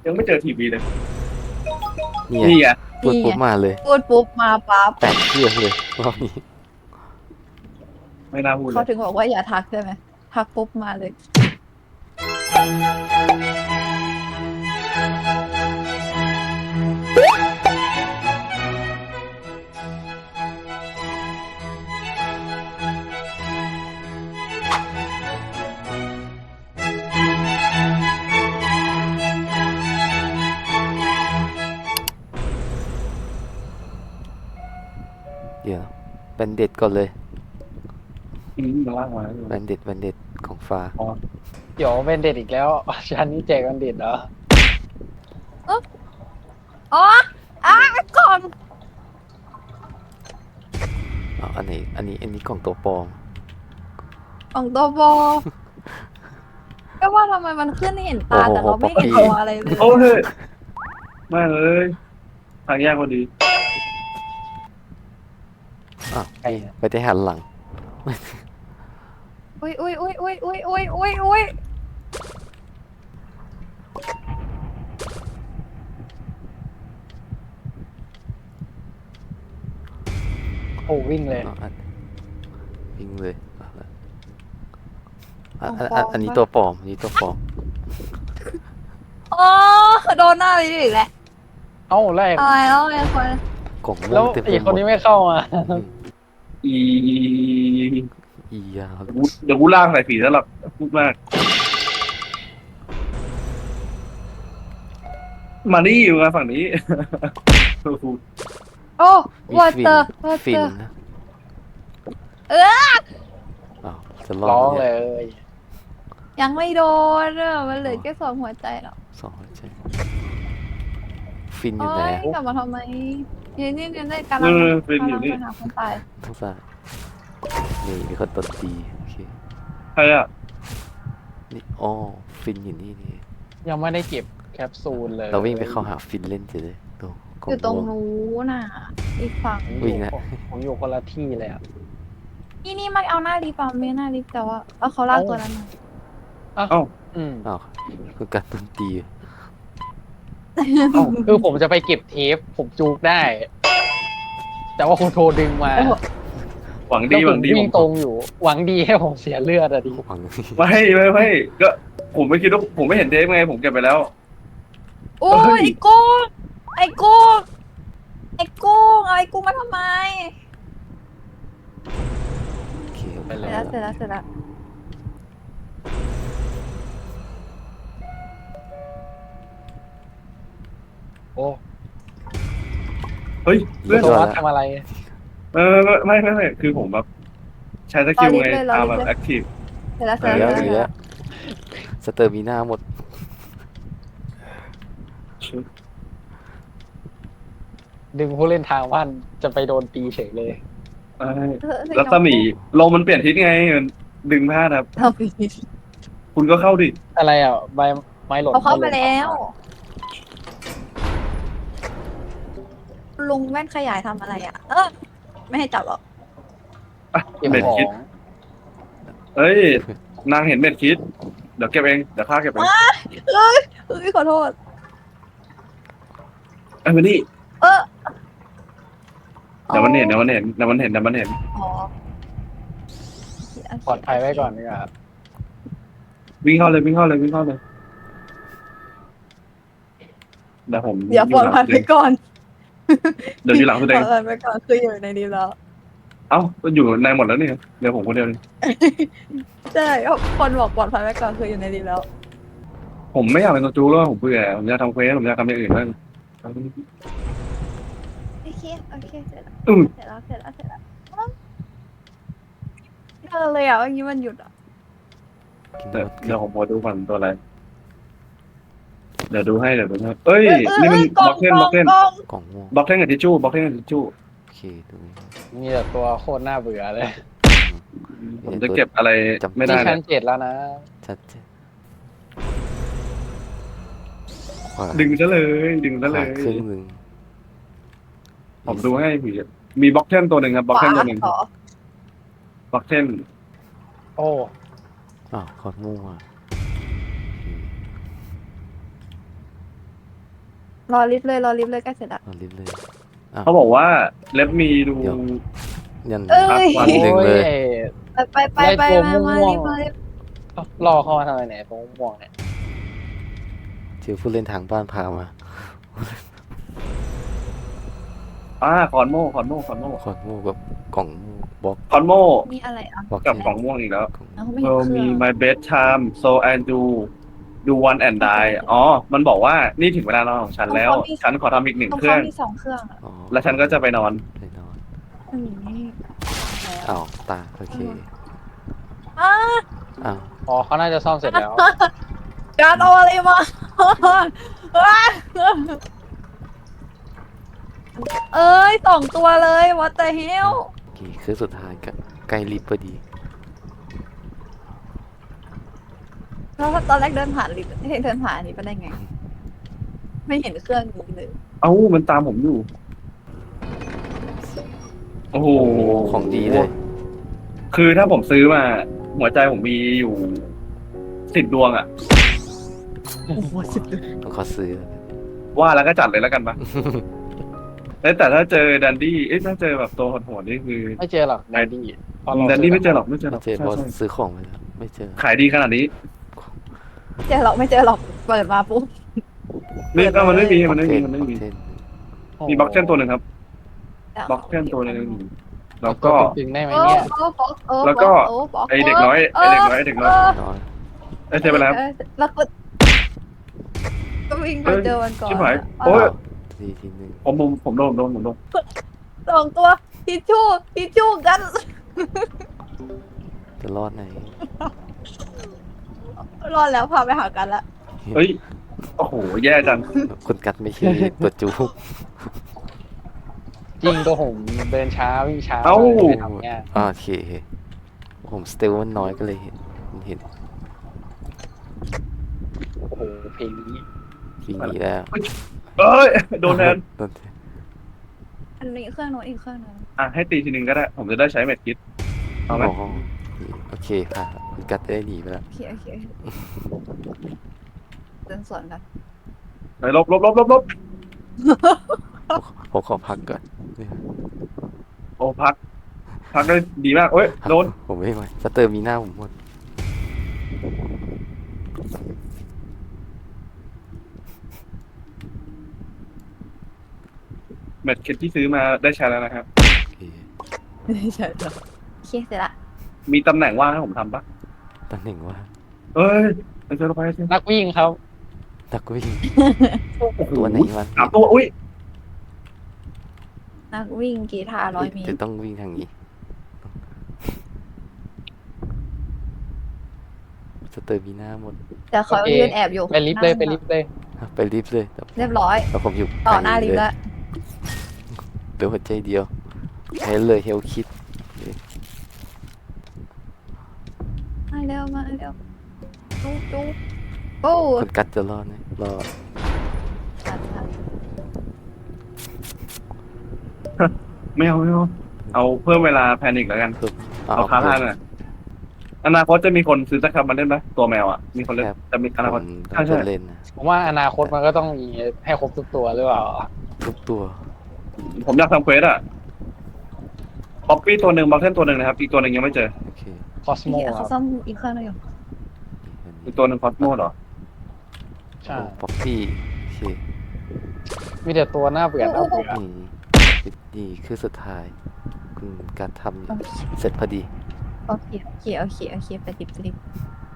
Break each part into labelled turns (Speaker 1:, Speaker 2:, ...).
Speaker 1: ยังไม่เจอทีวีเลย
Speaker 2: นี่
Speaker 1: นี่
Speaker 2: ไง
Speaker 1: ไง
Speaker 2: พูดปุ๊บมาเลย
Speaker 3: พูดปุ๊บมาปั๊บ
Speaker 2: แตกเครื่องเลยรอบนี้
Speaker 1: ไม่น่าพูดเล
Speaker 3: เขา
Speaker 1: ย
Speaker 3: ถึงบอกว่าอย่าทักใช่ไหมทักปุ๊บมาเลย
Speaker 2: เดี๋ยวแบนเด็ดก่อนเลย
Speaker 1: มาล่างมา
Speaker 2: แบนเด็ดของฟ้า
Speaker 4: เดี๋ยวเวนเด็ดอีกแล้วชั้นนี้แจกเวนเด็ดเหรอ
Speaker 3: อ๋อกล่อง
Speaker 2: อ๋ออันนี้กล่องตัวปลอม
Speaker 3: กล่องตัวบอก็ว่าทำไมมันขึ้นเห็นตาแต่เราไม่เห็นตัวอะไรเลย
Speaker 1: โอ้ยไม่เลยทางแยกพอดี
Speaker 2: อ้าวนี่ไปได้หันหลัง
Speaker 3: อุ้ย
Speaker 4: โอ้วิ่งเลย
Speaker 2: อ๋อวิ่งเลยเอาละอันนี้ตัวปลอมอันนี้ตัวปลอม
Speaker 3: อ๋อโดนหน้าไปอีกแล้ว
Speaker 4: เอ้าแรก
Speaker 3: อะไรแล้วไอ้คน
Speaker 2: กล่องม่
Speaker 4: แล้ว ว
Speaker 2: งเต็มไป
Speaker 4: อีก
Speaker 2: ห
Speaker 4: ค
Speaker 2: ม
Speaker 4: น
Speaker 2: ด
Speaker 4: นี้ไม่เข้ามา
Speaker 1: อี
Speaker 2: อียาว
Speaker 1: เดี๋ยวกูล่างใส่ผีแล้วหรอกพูดมาก มานี่อยู่กันฝั่งนี้
Speaker 3: โอ้
Speaker 2: มี
Speaker 3: วอเตอร์
Speaker 2: ฟินนะ
Speaker 3: เออ
Speaker 2: อ้าวจะรอ
Speaker 4: ร้อง
Speaker 2: ด
Speaker 4: เล
Speaker 2: เนี่ย
Speaker 4: ย
Speaker 3: ยังไม่โดนอ่ะมันเหลือแค่2 หัวใจหรอก
Speaker 2: สองหัวใจฟินอ
Speaker 3: โอ้
Speaker 2: ยู่ไหน
Speaker 3: ย
Speaker 2: อะ
Speaker 3: กลับมาทำไมนี่ได้กำลั
Speaker 1: เอง เป็นอยู่นี่
Speaker 3: ไปหาคนตาย
Speaker 2: ทั้งซ้ายนี่มีคนตบตีโอเค
Speaker 1: ใครอ่ะ
Speaker 2: นี่อ๋อฟินอยู่นี่นี่
Speaker 4: ยังไม่ได้เก็บแคปซูลเลย
Speaker 2: เราวิ่งไปเข้าหาฟินเล่นเฉยเลยตรงกล่
Speaker 3: อยู่ตรง
Speaker 2: ม่ว
Speaker 3: นู้นน่ะ อีกฝั่ง
Speaker 2: วิ่งนะ
Speaker 4: ผมอยู่คนละที่เลยอ่ะ
Speaker 3: นี่มาเอาหน้าลิฟต์ไม่หน้าลิฟต์แต่ว่าเอาเขาลากตัวนั้นมา
Speaker 4: อืม
Speaker 2: อ้าวคือการตบตี
Speaker 4: คือผมจะไปเก็บเทปผมจูกได้ แต่ว่าคุณโทรดึงมา
Speaker 1: หวัง
Speaker 4: แล้
Speaker 1: ดี
Speaker 4: ว
Speaker 1: ห
Speaker 4: ผ
Speaker 1: วั
Speaker 4: ม
Speaker 1: งดี
Speaker 4: วิ่งตรงอยู่ หวังดีให้ผมเสียเลือดอะดิ
Speaker 2: หวัง
Speaker 1: ไม่ก็ผมไม่คิดว่าผมไม่เห็นเทปไงผมเก็บไปแล้ว
Speaker 3: โอ้
Speaker 1: เฮ้
Speaker 3: ย
Speaker 1: ย
Speaker 3: ไอ้กุ้งไอ้กุ้งไอ้กุ้งเอาไอ้กุ้งมาทำไม
Speaker 2: โอเค
Speaker 4: ไป
Speaker 3: เส
Speaker 4: เล
Speaker 3: ร็จ
Speaker 4: ย
Speaker 3: แล้วเสร็จแล้ว
Speaker 4: โอ้
Speaker 1: เฮ้ยเพื่อน
Speaker 4: ตัววัดทำอะไร
Speaker 1: ไม่คือผมแบบใช้สกิลไงตามแบบแอคทีฟ
Speaker 3: เสร็จแล้วเส
Speaker 2: เห
Speaker 3: ร็จ
Speaker 2: ลื
Speaker 3: แล้
Speaker 2: อ
Speaker 3: ว
Speaker 2: เหลือสเตอร์มีหน้าหมด
Speaker 4: ดึงผู้เล่นทางบ้านจะไปโดนตีเฉยเลย
Speaker 1: รัศมีลมมันเปลี่ยนทิศไงมันดึงพลาดครับ
Speaker 3: ทำผิด
Speaker 1: คุณก็เข้าดิ
Speaker 4: อะไรอ่ะใบไม้หล่น
Speaker 3: เขาเข้ามาแล้ว ลุงแว่นขยายทำอะไรอ่ะ ไม่ให้จับหรอก
Speaker 4: เก็บ
Speaker 1: เม็ด
Speaker 4: ขอ
Speaker 1: คิด
Speaker 4: ง
Speaker 1: เอ้ยนางเห็นเม็ดคิดเดี๋ยวเก็บเองเดี๋ยวข้าเก็บเอง
Speaker 3: เอ้ยขอโทษ
Speaker 1: ไอ้มานี่
Speaker 3: เออ
Speaker 1: เดี๋ยวมันเห็น
Speaker 3: อ๋อ
Speaker 4: ปลอดภัยไว้ก่อนดีกว่าครับ
Speaker 1: วิ่งเข้าเลยเดี๋ยวผม
Speaker 3: เดี๋ยวปลอดภัยไปก่อน
Speaker 1: เดี๋ยวอยู่หลังแส
Speaker 3: ป
Speaker 1: ด
Speaker 3: ลอง ดภัยไปก่อนคืออยู่ในนี้แล้ว
Speaker 1: เอ้าก็อยู่ในหมดแล้วนี่เดี๋ยวผมคนเดียว
Speaker 3: ใช่คนบอกปลอดภัยไว้ก่อนคืออยู่ในนี้แล้ว
Speaker 1: ผมไม่อยากเป็นตัวจูแล้วผมเบื่อผมอยากทำเควสผมอยากทำอย่างอื่นบ้าง
Speaker 3: โอเคเสร็จแล้ว
Speaker 1: อืม
Speaker 3: เสร็จแล้วเลยอ่ะเมื่อกี้มันหยุดอ่ะ
Speaker 2: กิน
Speaker 1: เดี๋ยว
Speaker 2: หมด
Speaker 1: เดี๋ยวผมพอดูก่อนตัวอะไรเดี๋ยวดูให้เอ้ยนี่มันบล็อกเทน
Speaker 3: กล่อง
Speaker 2: กล่องม่วง
Speaker 1: บล็อกเทนกับทิชชู่บล็อกเทนกับทิชชู่
Speaker 2: โอเคตรงนี้
Speaker 4: มีแต่ตัวโคตรน่าเบื่อเลย
Speaker 1: ผมจะเก็บอะไรไม่ได้
Speaker 4: นี่
Speaker 1: เล
Speaker 4: ชั้
Speaker 1: ย
Speaker 4: น7แล้วนะ
Speaker 2: ชัดเจนขวา
Speaker 1: ดึงซะเลย
Speaker 2: ขวาครึ่งหนึ่ง
Speaker 1: ผมดูให้ผีมีบล็อกเทนตัวหนึ่งครับบล็อกเทนตัวหนึ่ง
Speaker 3: ขอบ
Speaker 1: ล็อกเทน
Speaker 4: โอ้
Speaker 2: อ้าวขอม่วงอ่ะ
Speaker 3: รอลิฟต์เลยรอลิฟต์เลยใกล้เสร็จละ
Speaker 2: เอาลิ้นเลย
Speaker 1: เขาบอกว่าเล็บมีดู
Speaker 2: เดี๋ยว ยัน
Speaker 3: เอ้ย
Speaker 1: วัน
Speaker 2: หนึ่งเลย
Speaker 3: ไปมาลิฟต์มาลิฟต์
Speaker 4: รอเข้ามาทำไมเนี่ยผมม่วงเนี่ย
Speaker 2: เจอผู้เล่นทางบ้านพามา
Speaker 1: คอนโม่
Speaker 2: ขอนโม่กับกล่องบล็อก
Speaker 1: คอนโม่
Speaker 3: มีอะไรอ่ะ
Speaker 2: บล็อก
Speaker 1: กับ
Speaker 2: เทน
Speaker 1: กล่องม่วงอีกแล้ว
Speaker 2: กล่อง
Speaker 3: เอาไม่
Speaker 1: เอ
Speaker 3: เห็น
Speaker 1: อ
Speaker 3: เครื่
Speaker 1: มี
Speaker 3: อง
Speaker 1: my bedtime so and do one and die อ๋อ มันบอกว่านี่ถึงเวลานอนของฉันแล้ว ฉันขอทำอีกหนึ่ง
Speaker 3: ของ
Speaker 1: เครื่
Speaker 3: เขา
Speaker 1: อง
Speaker 3: มีสองเครื่องอ่ะ
Speaker 2: อ๋อ
Speaker 1: แล้วฉันก็จะไปนอน
Speaker 2: ไปนอน
Speaker 3: อืมนี่แล้ว
Speaker 2: อ้าวตาโอเค
Speaker 3: อ้า
Speaker 2: อ้าว
Speaker 4: อ๋อเขาน่าจะซ่อมเสร็จแล้ว
Speaker 3: การเอาอะไรมาเอ้ยสองตัวเลย what the hell
Speaker 2: โอเคคือสุดท้ายก็ใกล้ลิฟต์พอดี
Speaker 3: แล้วตอนแรกเดินผ่านลิฟต์เดินผ่านอันนี้ไปได้ไง ไม่เห็นเครื่องนี้เลย
Speaker 1: เอ้า มันตามผมอยู่ โอ้โห
Speaker 2: ของดีเลย
Speaker 1: คือถ้าผมซื้อมา หัวใจผมมีอยู่10 ดวงอะ
Speaker 2: ต้องขอซื้อ
Speaker 1: ว่าแล้วก็จัดเลยแล้วกันปะ แต่ถ้าเจอดันดี้ถ้าเจอแบบตัวโหดๆนี่คือ
Speaker 4: ไม่เจอหรอกแดนดี้เพราะเรา
Speaker 1: ดันดี้ไม่เจอหรอกไม่เจอหร
Speaker 2: ไม่
Speaker 1: อก
Speaker 2: เจอเพราะ
Speaker 1: ใช่
Speaker 2: ซื้อของไปแล้วไม่เจอ
Speaker 1: ขายดีขนาดนี้
Speaker 3: เจอหรอกไม่เจอหรอกเปิดมาปุ๊บ
Speaker 1: นี่ก็มันไม่มี
Speaker 2: บล็
Speaker 1: มัน
Speaker 2: อก
Speaker 1: ไม่
Speaker 2: เท
Speaker 1: มี
Speaker 2: น
Speaker 1: มันไม่มี
Speaker 2: บล็อกเทน
Speaker 1: มีบล็อกเช่นตัวหนึ่งครับบล็อกเช่นตัวหนึ่งแล้วก็
Speaker 4: ดึงได้ไหม
Speaker 3: โอ้
Speaker 4: เนี่ย
Speaker 3: โอ้
Speaker 1: แล้วก็ ไอเด็กน้อยไอเด็กน้อย
Speaker 2: น้อย
Speaker 1: ไอเจอไปแล้ว
Speaker 3: แล้วก็วิ่งไปเจอมันก่อน
Speaker 1: ชิบหายโอ้ย
Speaker 2: ทีหนึ่ง
Speaker 1: ผมโดน
Speaker 3: สองตัวทิชชู่กัน
Speaker 2: จะรอดไหน
Speaker 3: รอดแล้วพาไปหากันละ
Speaker 1: เฮ้ยโอ้โหแย่จัง
Speaker 2: คนกัดไม่ใช่ตัวจูบ
Speaker 4: จริงตัวผมเดินช้าวิ่งช้า
Speaker 1: เอ้า
Speaker 4: ไปทำเนี่ย
Speaker 2: โอเค ผมสเตลมันน้อยก็เลยเห็น
Speaker 4: โอ้โหเพลงนี้
Speaker 2: วิ่งหนีแล้ว
Speaker 1: เอ้ยโดนแทน
Speaker 2: โดนแทน
Speaker 3: อันนี้เครื่องโน้นอีกเครื่องนึง
Speaker 1: ให้ตีทีนึงก็ได้ ผมจะได้ใช้เม็ดคิดเอาไหม
Speaker 2: อ๋อโอเคค่ะคุณกัดได้หนีไปแล้ว
Speaker 3: โอเคเดินสวนกัน
Speaker 1: ไปลบ
Speaker 2: ผมขอพักก่อน
Speaker 1: โอ้พักได้ดีมากเอ้ยโดน
Speaker 2: ผมไม่ไหวสเตอร์มีหน้าผมหมด
Speaker 1: เม็ดคิดที่ซื้อมาได้ใช้แล้วนะครับ
Speaker 2: โอเค
Speaker 3: ใช่จ้ะโอเคเสร็จละ
Speaker 1: มีตำแหน่งว่างให้ผมทำปะ
Speaker 2: ตำแหน่งว่า
Speaker 1: เอ้ยไปเจอเราไปเจอ
Speaker 4: นักวิ่งครับ
Speaker 2: ตักวิ่ง
Speaker 1: โอ้โห
Speaker 2: ตัวไหนวะ
Speaker 1: 3 ตัวอุ้ย
Speaker 3: นักวิ่งกีฬา100 เมต
Speaker 2: จะ
Speaker 3: ร
Speaker 2: ต้องวิ่งทางนี้สเตอร์มีหน้าหมด
Speaker 3: แต่เขา
Speaker 4: โอเค
Speaker 3: ยืนแอบอยู่
Speaker 4: ไปลิฟต์เลยไปลิฟต์เลย
Speaker 2: ไปลิฟต์เลยแต่
Speaker 3: เรียบร้อย
Speaker 2: แต่ผมอยู่
Speaker 3: ต่อหน้าลิฟต์แล้ว
Speaker 2: เดี๋ยวหัวใจเดียวใช้เลยเฮลคิด
Speaker 3: มาเร็วจุ๊บโอ้
Speaker 2: คนกัดจะรอดไหมรอด
Speaker 1: ไม่เอาเอาเพิ่มเวลาแพนิกแล้วกัน
Speaker 2: เพิ่ม
Speaker 1: เอาค้าท่านน่ะอนาคตจะมีคนซื้อสักคำมาเล่นไหมตัวแมวอ่ะมีคนเล่นจะมีอนาค
Speaker 2: ผ
Speaker 1: ต
Speaker 2: ม
Speaker 1: ใช่
Speaker 2: ต้องจะเล่นนะ
Speaker 4: ผมว่าอนาคตมันก็ต้องมีให้ครบทุกตัวหรือเปล่า
Speaker 2: ทุกตัว
Speaker 1: ผมอยากทำเควสอ่ะป๊อปปี้ตัวหนึ่งบัคเทนตัวหนึ่งนะครับอีกตัวหนึ่งยังไม่เจอ
Speaker 2: โอเค
Speaker 4: คอสโมค
Speaker 3: เขา
Speaker 4: รับ
Speaker 3: ซ่อมอีกเครื่องนึงอยู่
Speaker 1: อีกตัวหนึ่งคอสโมเหรอ
Speaker 4: ใช่
Speaker 2: ป๊อปปี้โอเค
Speaker 4: มีแต่ตัวหน้าเบื่อ
Speaker 2: นี่คือสุดท้าย คุณการทำเสร็จพอดี
Speaker 3: โอเคไปลิฟต์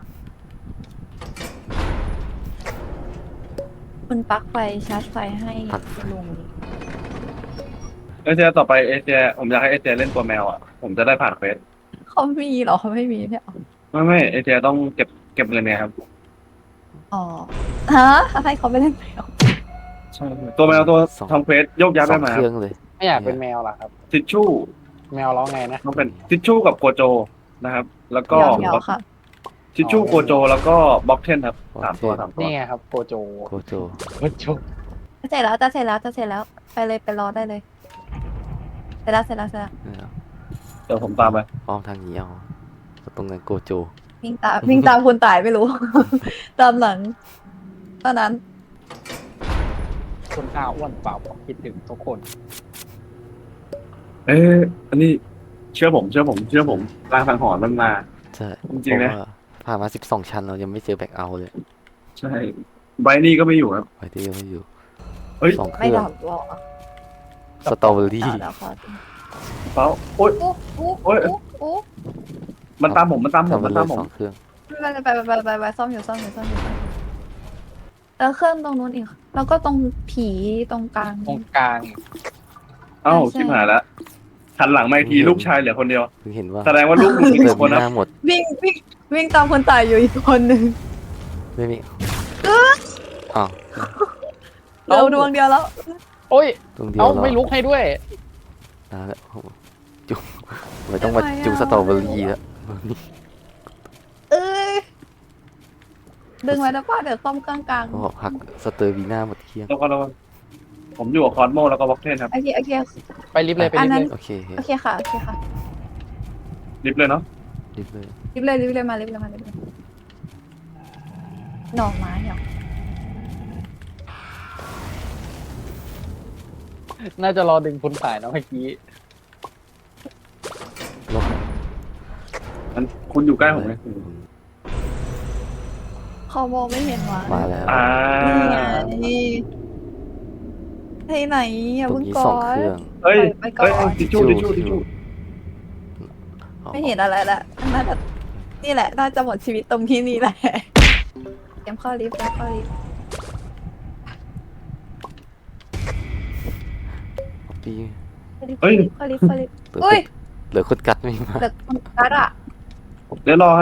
Speaker 3: คุณปลั๊กไฟชาร์จไฟให้ลุง
Speaker 1: เอเจต่อไปเอเจผมอยากให้เอเจเล่นตัวแมวอ่ะผมจะได้ผ่านเควส
Speaker 3: เขามีเหรอเขาไม่มีเนี่ย
Speaker 1: ไม่เอเจต้องเก็บเงินไงครับ
Speaker 3: อ๋อฮะให้เขาไปเล่นแมว
Speaker 1: ใช่ตัวแมวตัว
Speaker 2: สอง
Speaker 1: ทำเควสโยกย้าย
Speaker 2: ส
Speaker 1: ไป
Speaker 2: อง
Speaker 1: มา
Speaker 2: เครื่องเลย
Speaker 4: ไม่อยากเป็นแมวหรอครับ
Speaker 1: ทิชชู่
Speaker 4: แมวร้องไงนะ
Speaker 1: ต้องเป็นทิชชู่กับโกโจนะครับ แล้วก็
Speaker 3: เดี๋ยวค่ะ
Speaker 1: ทิชชู่โกโจแล้วก็บ็อกเทนครับ3 ตัว
Speaker 4: นี่ไงครับโกโจ
Speaker 2: โกโจ
Speaker 4: โกโจ
Speaker 3: จะเสร็จแล้วไปเลยไปรอได้เลยเสร็จแล้ว
Speaker 1: เดี๋ยวผมตามไป
Speaker 2: อ้อมทางนี้เอาตรงนั้นโกโจ
Speaker 3: วิ่งตามคุณตายไม่รู้ ตามหลังเท่านั้น
Speaker 4: คุณข้าวอ้วนเปล่าบอกคิดถึงทุกคน
Speaker 1: อันนี้เชื่อผมรางสังหรณ์มันมา
Speaker 2: ใช่
Speaker 1: จริงๆนะ
Speaker 2: เพาว่าผ่านมา12 ชั้นเรายังไม่เจอแบ็คเอาท์เลย
Speaker 1: ใช่ไบรท์นี่ก็ไม่อยู่ครับ
Speaker 2: ไว้ที่ยังไม่อยู่
Speaker 1: เฮ้ย
Speaker 2: 2 เค
Speaker 3: ไม่
Speaker 2: รื่อง
Speaker 3: ดับหรอ
Speaker 2: สตรอเบอรี่
Speaker 3: เดี๋ยวขอ
Speaker 1: เปล่าโอ๊ย
Speaker 3: โอ้โอ้
Speaker 1: โอ้ย
Speaker 3: โอ้
Speaker 1: มันตามผมมันตามผ
Speaker 2: ทำ
Speaker 1: ม
Speaker 2: ไป
Speaker 1: มัน
Speaker 2: เล
Speaker 1: ตาย มผม
Speaker 2: 2 เครื่อง
Speaker 3: ไปซ่อมอยู่แล้วเครื่องตรงนู้นอีกแล้วก็ตรงผีตรงกลาง
Speaker 4: ตรงกลาง
Speaker 1: เอ้า
Speaker 3: ใช่
Speaker 1: ชิบหายแล้วหันหลังมาอีกที
Speaker 2: เห็น
Speaker 1: ลูกชายเหลือคนเดียว
Speaker 2: เพิ่งเห็นว่า
Speaker 1: แสดงว่าลูกมึงมี
Speaker 2: เติ
Speaker 1: ส
Speaker 2: ม
Speaker 1: องคน
Speaker 2: ห
Speaker 1: นะ
Speaker 2: น้าหมด
Speaker 3: วิ่งตามคนตายอยู่อีกคนหนึ่ง
Speaker 2: ไม่มีอ้าว
Speaker 3: เหลือดวงเดียวแล้ว
Speaker 4: โอ้ย
Speaker 2: ตรงเดียว
Speaker 4: เอ้า
Speaker 2: เหรอ
Speaker 4: ไม่ลุกให้ด้วย
Speaker 2: นะแล้วจุ๊บไม่ต้องมาจุ๊บสตรอเบอรี่แล้ว
Speaker 3: เอ้ยดึงไว้แล้วป้าเดี๋ยวซ่อมเครื่องกลาง
Speaker 2: ก็หักสเตอร์วีน่าหมดเครื่อง
Speaker 1: แล้วก็ผมอยู่กับคอสโมแล้วก็บ็อกเทนครับ
Speaker 3: โอเค
Speaker 4: ไปลิฟต์เลยไป
Speaker 3: อั
Speaker 4: ลิ
Speaker 3: น
Speaker 4: ฟต์
Speaker 3: นั้
Speaker 4: เล
Speaker 3: น
Speaker 4: ย
Speaker 2: โอเค
Speaker 3: โอเคค่ะ
Speaker 1: ลิฟต์เลยเนาะ
Speaker 2: รีบเลย
Speaker 3: รีบเลยมาหน่อไม้เหรอ
Speaker 4: น่าจะรอดึงคุณสายนะเมื่อกี้
Speaker 2: ลบ
Speaker 1: มันคุณอยู่ใกล้ผมไหม
Speaker 3: เขามองไม่เห็นว่ะ
Speaker 2: มาแล้ว
Speaker 3: นี่ไงที่ไหนอย่า
Speaker 2: ตรง
Speaker 3: เพิ่ง
Speaker 2: นี้
Speaker 3: ก่อ
Speaker 2: 2
Speaker 3: น
Speaker 2: เครื่อง
Speaker 1: เฮ้ย
Speaker 3: ไปก่อน
Speaker 1: เฮ้ยทิชชู่
Speaker 3: ไม่เห็นอะไรละน่าจะนี่แหละน่าจะหมดชีวิตตรงที่นี่แหละเตรียมเข้าลิฟต์
Speaker 2: ปี
Speaker 1: เฮ้ย
Speaker 3: เข้าลิฟต์
Speaker 2: เหลือ
Speaker 3: เฮ้ย
Speaker 2: เหลือคนกัดไม่มา
Speaker 3: เด็กคนกัดอ่ะ
Speaker 1: เดี๋ยวรอให้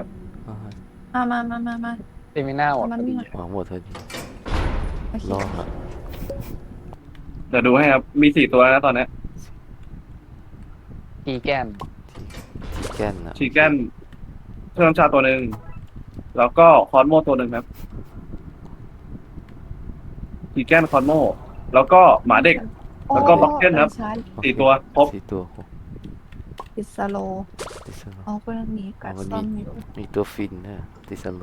Speaker 3: มา
Speaker 4: เซมิน่าหมด
Speaker 3: มัน
Speaker 4: พอ
Speaker 3: ไม่
Speaker 4: ดี
Speaker 3: มา
Speaker 2: หวังหมดเธอดี
Speaker 3: โอเค
Speaker 2: รอครับ
Speaker 1: เดี๋ยวดูให้ครับ มี4 ตัวนะตอนเนี้ย
Speaker 4: กีแก้ม
Speaker 2: ที่แก้นนะ
Speaker 1: ชีแกนเครื่องน้ำชาตัวหนึ่งแล้วก็คอนโมตัวหนึ่งครับชีแกนคอนโมแล้วก็หมาเด็ก แล้วก็บ็อกเก็ตครับ
Speaker 3: ใช่
Speaker 1: 4 ตัวครบ
Speaker 2: 4 ตัวครบ
Speaker 3: ติดสโล
Speaker 2: ติสโล
Speaker 3: อ๋อคนนี้กัด
Speaker 2: มัน
Speaker 3: ซ่อ
Speaker 2: มี
Speaker 3: มอยู่
Speaker 2: มีตัวฟินนะติสโล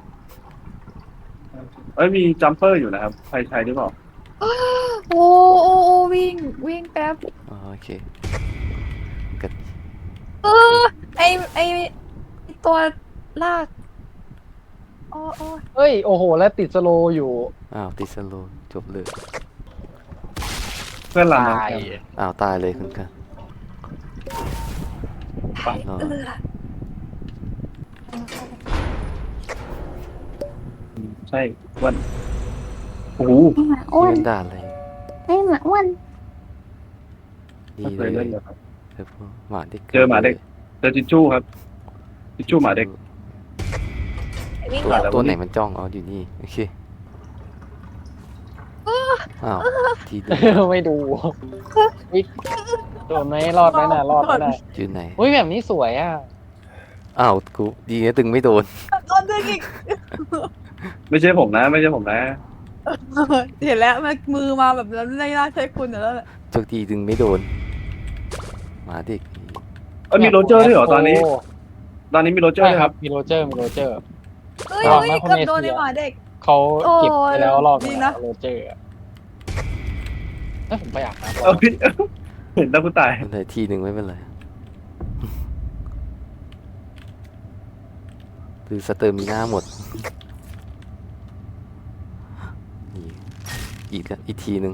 Speaker 1: มีจัมเปอร์อยู่นะครับ ใครใช้หรือเปล่า
Speaker 3: โอ้วิ่งแป๊บ
Speaker 2: โอเคกัด
Speaker 3: ไอตัวลากโอ้
Speaker 4: เอ้ย โอ้โห แล้วติดสโลว์อยู่
Speaker 2: อ้าวติสโลจบเลย
Speaker 1: เพื่อนหลัง
Speaker 4: ตาย
Speaker 2: อ้าวตายเลยคุณกันรอ
Speaker 1: ใช่วันโอ้โห
Speaker 3: อ้วน
Speaker 2: เล่นด่าอะไร
Speaker 3: ไอหมาอ้วน
Speaker 2: ดี
Speaker 1: ไม่
Speaker 2: เล
Speaker 1: เคย
Speaker 2: ย
Speaker 1: เล่นเลยครับ
Speaker 2: เจอพวกหมาเด็ก
Speaker 1: เจอหมาเด็ก เจอทิชชู่ครับทิชชู่หมาเด็ก
Speaker 3: วิ่ง
Speaker 2: ตัว
Speaker 3: แบบ
Speaker 2: ตัวไหนมันจ้องอ๋ออยู่นี่โอเคอ้าวทีเดียว
Speaker 4: ไม่ดูวิโดนไหมรอดไหมน่ะรอดไหมน่ะ
Speaker 2: อยู่ไหน
Speaker 4: อุ้ยแบบนี้สวยอ่ะ
Speaker 2: อ้าวกูดีนะตึงไม่โดน
Speaker 3: โดนดึงอีก
Speaker 1: ไม่ใช่ผมนะ
Speaker 3: เห็นแล้วมันมือมาแบบแล้วไม่น่าใช่คุณแล้วแหละ
Speaker 2: โชคดีตึงไม่โดนหมาเด็ก
Speaker 1: มีโรเจอร์ด้วยเหรอตอนนี้ ตอนนี้มีโรเจอร์
Speaker 4: ใช่
Speaker 1: ด้วย
Speaker 4: ค
Speaker 1: ค
Speaker 4: รั
Speaker 1: รั
Speaker 4: บบ มีโรเจอร์
Speaker 3: เฮ้ย
Speaker 4: ระวังนะ
Speaker 3: เกือบ
Speaker 4: คุณเอเชีย
Speaker 3: โดนไอหมาเด็ก
Speaker 4: เขาเก็บไปแล้วรอบ
Speaker 3: ดี
Speaker 4: นึง
Speaker 3: นะ
Speaker 4: โรเจอร์อะเอ้ยผมไปอาบน้ำ
Speaker 1: เออพี่ เห็นแล้วกูตาย
Speaker 2: มันเลยทีหนึ่งไม่เป็นไรคือสเตอร์มีหน้าหมดนี่อีกทีหนึ่ง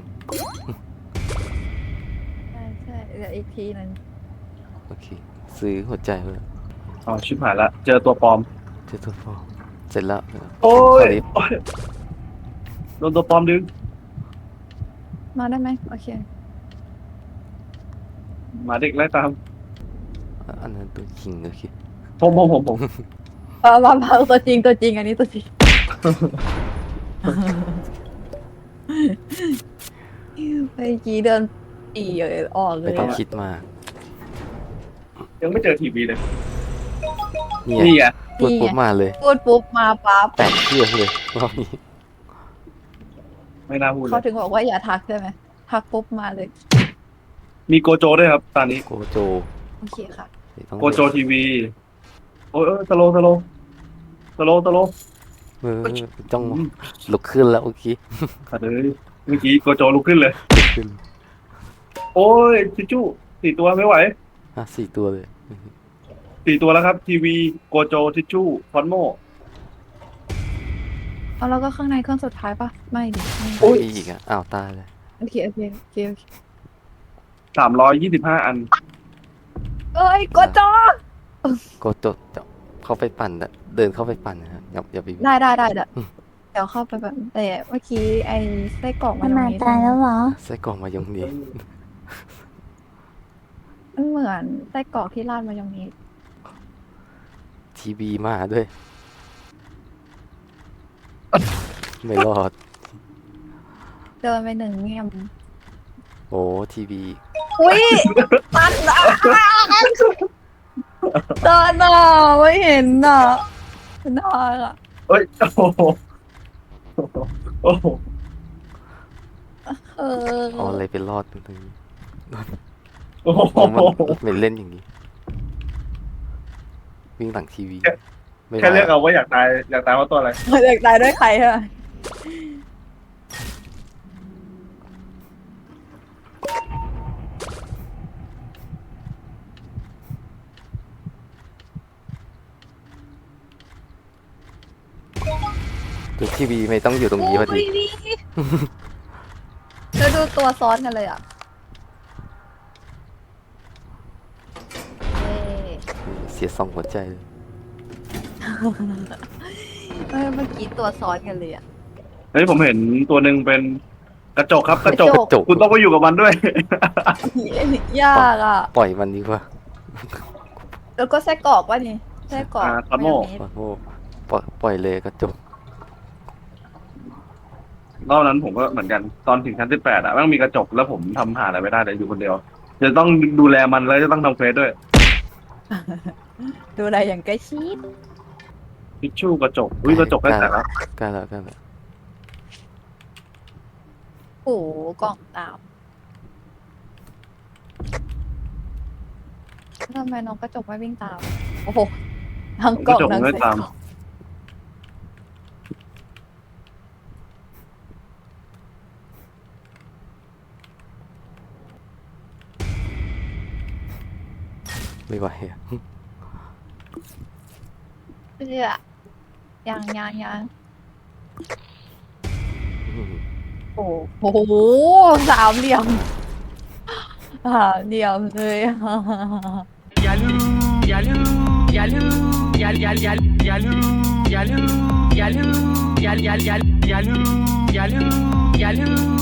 Speaker 3: ใช่เดี๋ยวอีกทีนึง
Speaker 2: โอเคซื้อหัวใจเลย
Speaker 1: อ๋อชิบหายละ เจอตัวปลอม
Speaker 2: เจอตัวฟอร์มเสร็จแล้ว
Speaker 1: โอ้ย
Speaker 2: เข้าลิฟต์
Speaker 1: โอ้ยโดนตัวปลอมดึง
Speaker 3: มาได้ไหมโอเค
Speaker 1: หมาเด็กไล่ตาม
Speaker 2: อันนั้นตัวจริงโอเค
Speaker 1: ผม
Speaker 3: มาตัวจริงอันนี้ตัวจริงเมื่อกี้เดินปีออกเล
Speaker 2: ไม่
Speaker 3: ย
Speaker 2: ต้อง
Speaker 3: อะ
Speaker 2: คิดมาก
Speaker 1: ยังไม่เจอทีวีเลย
Speaker 2: เนี่ย
Speaker 1: นี่ไง
Speaker 2: พูดปุ๊บมาเลย
Speaker 3: พูดปุ๊บมาปั๊บ
Speaker 2: แตกเครื่องเลยรอบนี้
Speaker 1: ไม่น่าพูดเล
Speaker 3: เขา
Speaker 1: ย
Speaker 3: ถึงบอกว่าอย่าทักใช่ไหมทักปุ๊บมาเลย
Speaker 1: มีโกโจด้วยครับ ตอนนี้
Speaker 2: โกโจ
Speaker 3: โอเคค่ะ
Speaker 2: ต้อง
Speaker 1: โกโจทีวี โอ้ยสโล
Speaker 2: จ้องลุกขึ้นแล้วเมื่อกี้
Speaker 1: ขาดเลยเมื่อกี้โกโจลุกขึ้นเลย
Speaker 2: ลุกขึ้น
Speaker 1: โอ้ยทิชชู่4 ตัวไม่ไหว
Speaker 2: 4 ตัวเลย
Speaker 1: 4 ตัวแล้วครับ ทีวีโกโจทิชชู่ฟอนโม
Speaker 3: เอาแล้วก็ข้างในเครื่องสุดท้ายปะไม่ดิไม่
Speaker 1: โอ้ย
Speaker 2: อีกอ่ะอ้าวตายเลย
Speaker 3: โอเคโอเคโอเคโอเค
Speaker 1: 325 อัน
Speaker 3: เอ้ยกดจอ
Speaker 2: ก็จะเข้าไปปั่นนะเดินเข้าไปปั่นนะฮะอย่าไป
Speaker 3: ได้เดี๋ยวเข้าไปแบบแต่เมื่อกี้ไอ้ไส้กรอก
Speaker 5: มันมาตายแล้วเหรอ
Speaker 2: ไส้กรอกมายองเนส
Speaker 3: มันเหมือนไส้กรอกที่ราดมายองเนส
Speaker 2: ทีวีมาด้วย ไม่รอด
Speaker 3: เดินไป1 เงียม
Speaker 2: โอ้ทีวี
Speaker 3: อุ้ยมันอ่ะตอนน่ะไม่เห็นน่ะน่าอ่ะ
Speaker 1: เอ้ยโอ้โหโอ้โห
Speaker 3: เออ
Speaker 2: เอาอะไรไปรอดตรงนี้
Speaker 1: โอ้โห
Speaker 2: อ๋อมันไม่เล่นอย่างนี้ วิ่งหลังทีวีไม่
Speaker 1: แค่เลือก
Speaker 2: ได้
Speaker 1: เอาว่าอยากตายเพราะตัวอะไร
Speaker 3: อยากตายด้วยใครอะ
Speaker 2: ตัวทีวีไม่ต้องอยู่ตรงนี้พอดี
Speaker 3: โยนี่แล้วดูตัวซ้อนกันเลยอ่ะเย้
Speaker 2: เสีย2 หัวใจเลย
Speaker 3: เมื่อกี้ตัวซ้อนกันเลยอ่ะ
Speaker 1: เฮ้ยผมเห็นตัวหนึ่งเป็นกระจกครับกระจก
Speaker 3: กระจก
Speaker 1: คุณต้องไปอยู่กับมันด้วย
Speaker 3: ยากอ่ะ
Speaker 2: ปล่อยมันดีกว่า
Speaker 3: แล้วก็ไส้กรอกวะนี่ไส้กรอก
Speaker 1: คาโม่
Speaker 3: มายองเนส
Speaker 2: โอ้โหปล่อยเลยกระจก
Speaker 1: รอบนั้นผมก็เหมือนกันตอนถึงชั้น18อ่ะแม่งมีกระจกแล้วผมทำหาอะไรไม่ได้เลยอยู่คนเดียวจะต้องดูแลมันแล้วจะต้องทำเฟซด้วย
Speaker 3: ดูอะไรอย่างใกล้ชิด
Speaker 1: ทิชชู่กระจกอุ้ยกระจกได้แต่ละ
Speaker 2: กล้าแล้ว
Speaker 3: โอ้โหกล่องตามทำไมน้องกระจกไม่วิ่งตาม โอ้โหทั้งก
Speaker 1: ก
Speaker 3: ล่
Speaker 1: ระ
Speaker 3: อง
Speaker 1: จก
Speaker 3: ทั้ง
Speaker 1: ไม่
Speaker 3: ไส้
Speaker 1: ตาม
Speaker 3: กรอก
Speaker 2: ไม่ไหวอะ
Speaker 3: เพื่อยัง
Speaker 2: อืม
Speaker 3: โอ้โหสามเหลี่ยมเลย
Speaker 6: Yalu,